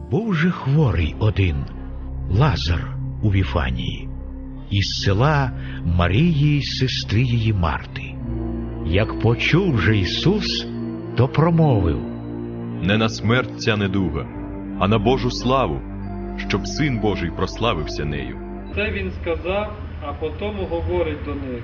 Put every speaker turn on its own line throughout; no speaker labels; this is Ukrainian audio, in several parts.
Був же хворий один Лазар у Віфанії, із села Марії, сестри її Марти. Як почув же Ісус, то промовив:
«Не на смерть ця недуга, а на Божу славу, щоб Син Божий прославився нею».
Це він сказав, а потому говорить до них: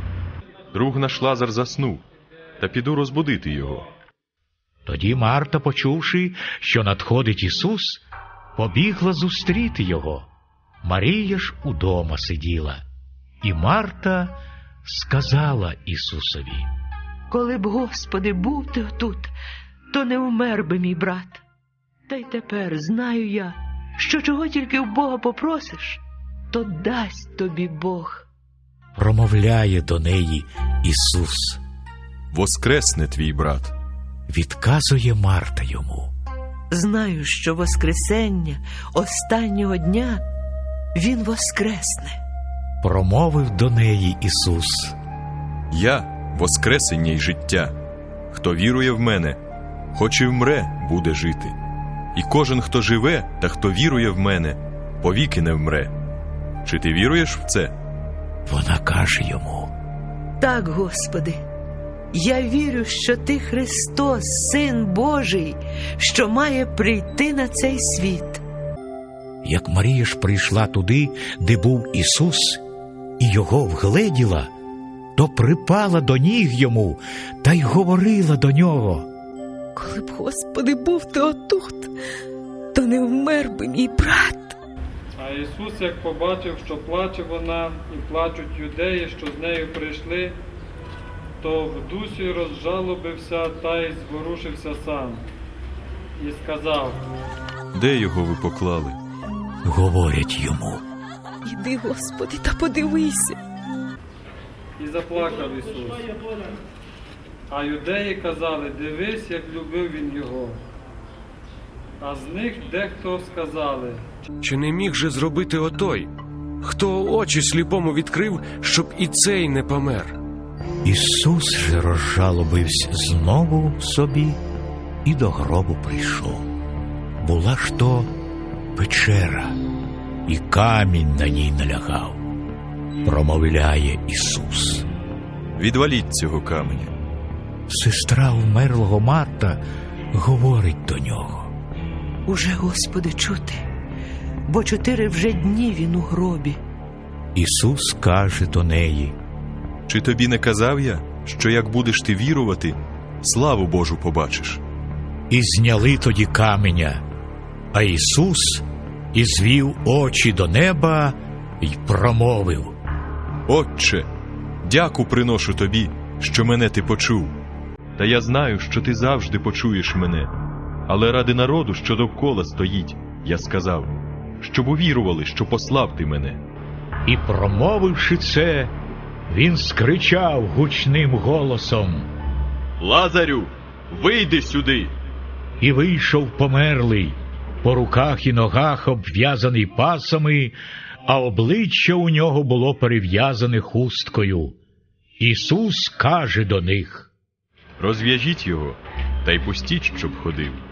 Друг наш Лазар заснув, та піду розбудити його.
Тоді Марта, почувши, що надходить Ісус, побігла зустріти його. Марія ж удома сиділа. І Марта сказала Ісусові:
«Коли б, Господи, був ти тут, то не вмер би мій брат. Та й тепер знаю я, що чого тільки в Бога попросиш, то дасть тобі Бог».
Промовляє до неї Ісус.
«Воскресне твій брат».
Відказує Марта йому:
«Знаю, що воскресення останнього дня Він воскресне».
Промовив до неї Ісус:
«Я – воскресення й життя. Хто вірує в мене, хоч і вмре, буде жити. І кожен, хто живе та хто вірує в мене, повіки не вмре. Чи ти віруєш в це?»
Вона каже йому:
«Так, Господи, я вірю, що Ти Христос, Син Божий, що має прийти на цей світ».
Як Марія ж прийшла туди, де був Ісус, і його вгледіла, то припала до ніг йому та й говорила до нього:
«Коли б, Господи, був ти отут, то не вмер би мій брат».
А Ісус, як побачив, що плаче вона і плачуть юдеї, що з нею прийшли, то в дусі розжалобився та й зворушився сам. І сказав:
«Де його ви поклали?»
Говорять йому:
«Іди, Господи, та подивися».
І заплакав Ісус. А юдеї казали: «Дивись, як любив Він його». А з них дехто сказали:
Чи не міг же зробити отой, хто очі сліпому відкрив, щоб і цей не помер?
Ісус же розжалобився знову собі і до гробу прийшов. Була ж то печера, і камінь на ній налягав. Промовляє Ісус:
«Відваліть цього каменя».
Сестра вмерлого Марта говорить до нього:
«Уже, Господи, чути, бо 4 вже дні він у гробі».
Ісус каже до неї:
«Чи тобі не казав я, що як будеш ти вірувати, славу Божу побачиш?»
І зняли тоді каменя. А Ісус і звів очі до неба й промовив:
«Отче, дяку приношу тобі, що мене ти почув. Та я знаю, що ти завжди почуєш мене. Але ради народу, що довкола стоїть, я сказав, щоб увірували, що послав ти мене».
І, промовивши це, він скричав гучним голосом:
«Лазарю, вийди сюди!»
І вийшов померлий, по руках і ногах обв'язаний пасами, а обличчя у нього було перев'язане хусткою. Ісус каже до них:
«Розв'яжіть його, та й пустіть, щоб ходив».